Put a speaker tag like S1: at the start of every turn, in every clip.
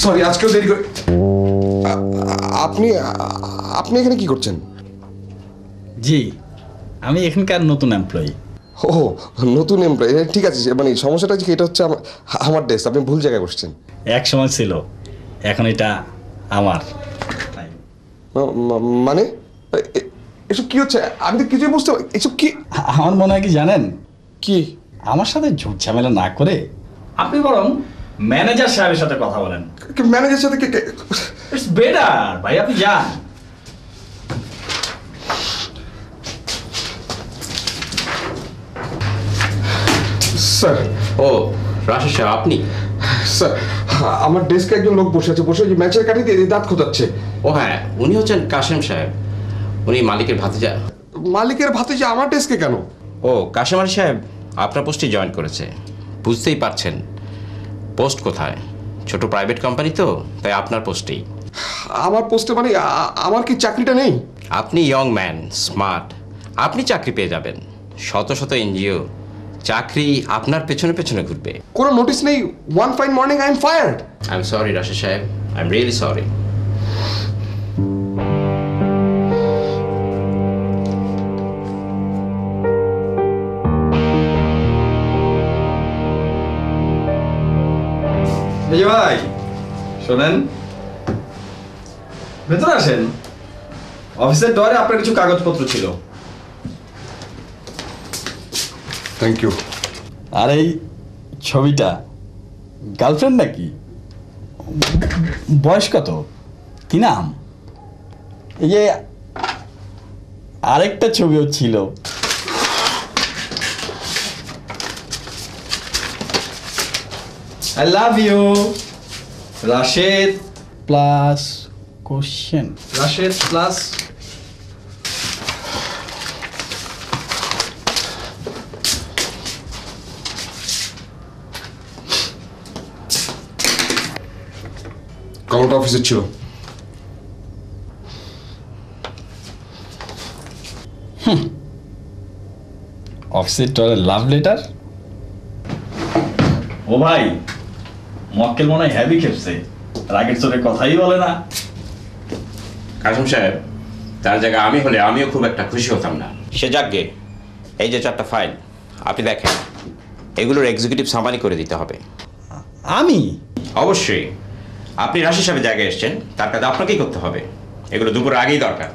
S1: Sorry, আজকেও দেরি করে। আপনি আপনি এখানে কি করছেন?
S2: জি, আমি এখানকার নতুন এমপ্লয়ি।
S1: ও, নতুন এমপ্লয়ি, ঠিক আছে। মানে সমস্যাটা কি, এটা হচ্ছে আমার ডেস্ক, আপনি ভুল জায়গায় বসছেন।
S2: এক সময় ছিল, এখন এটা আমার।
S1: মানে এসব কি হচ্ছে? আমি তো কিছুই বুঝতে পারি। এসব কি?
S2: আমার মনে হয় কি জানেন,
S1: কি?
S2: আমার সাথে ঝুট ঝামেলা না করে আপনি বরং ম্যানেজার সাহেবের সাথে কথা বলেন।
S1: ম্যানেজার সাথে
S2: ইটস বেটার ভাই, আপনি যান।
S1: স্যার।
S3: ও রাশেদ সাহেব, আপনি?
S1: স্যার, আমার ডেস্কে একজন লোক বসে আছে, বসে ম্যাচের কাঠি দিয়ে দাঁত খোঁচাচ্ছে।
S3: ও হ্যাঁ, উনি হচ্ছেন কাশেম সাহেব, উনি মালিকের ভাতিজা।
S1: মালিকের ভাতিজা আমার ডেস্কে কেন?
S3: ও কাশেম আলী সাহেব আপনার পোস্টে জয়েন করেছে, বুঝতেই পারছেন পোস্ট কোথায়, ছোট প্রাইভেট কোম্পানি তো, তাই আপনার পোস্টেই।
S1: আমার পোস্টে মানে আমার কি চাকরিটা নেই?
S3: আপনি ইয়ং ম্যান, স্মার্ট, আপনি চাকরি পেয়ে যাবেন। শত শত এনজিও চাকরি আপনার পেছনে পেছনে ঘুরবে।
S1: কোনো নোটিশ নেই, one fine morning I am fired.
S3: I am sorry Rashed Saheb, I am really sorry.
S2: এই যে ভাই শোনেন, ভেতরে আসেন। অফিসের ডোরে আপনার কিছু কাগজপত্র ছিল।
S1: Thank you.
S2: আর এই ছবিটা গার্লফ্রেন্ড নাকি? বয়স কত? কি নাম? এই যে আরেকটা ছবিও ছিল। I love you Rashed plus question, Rashed plus
S1: কলটা অফিসের ছিল।
S2: অফিসের টয়লেট লাভ লেটার। ও ভাই, মক্কেল মনে হয় হ্যাভি খেপছে, রাগের চোরে কথাই বলে না।
S3: কাশেম সাহেব, তার জায়গায় আমি হলে আমিও খুব একটা খুশি হতাম না। সে যাকগে, এই যে 4টা ফাইল আপনি দেখেন, এগুলোর এক্সিকিউটিভ সামারি করে দিতে হবে।
S2: আমি?
S3: অবশ্যই, আপনি রাশেদ সাহেবের জায়গায় এসেছেন, তার কাছে আপনাকেই করতে হবে। এগুলো দুপুরের আগেই দরকার।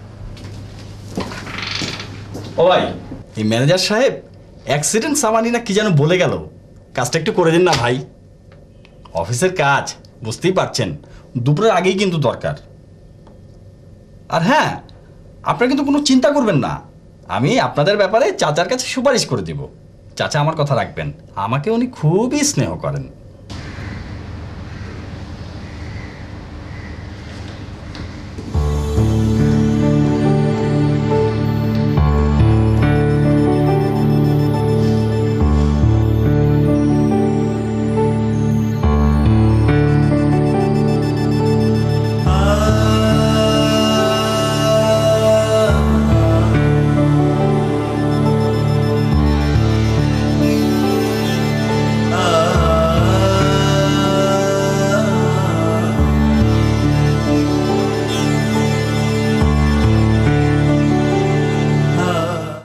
S2: ও ভাই, এই ম্যানেজার সাহেব অ্যাক্সিডেন্ট সামানি না কি যেন বলে গেল, কাজটা একটু করে দিন না ভাই। অফিসের কাজ বুঝতেই পারছেন, দুপুরের আগেই কিন্তু দরকার। আর হ্যাঁ, আপনারা কিন্তু কোনো চিন্তা করবেন না, আমি আপনাদের ব্যাপারে চাচার কাছে সুপারিশ করে দিব। চাচা আমার কথা রাখবেন, আমাকে উনি খুবই স্নেহ করেন।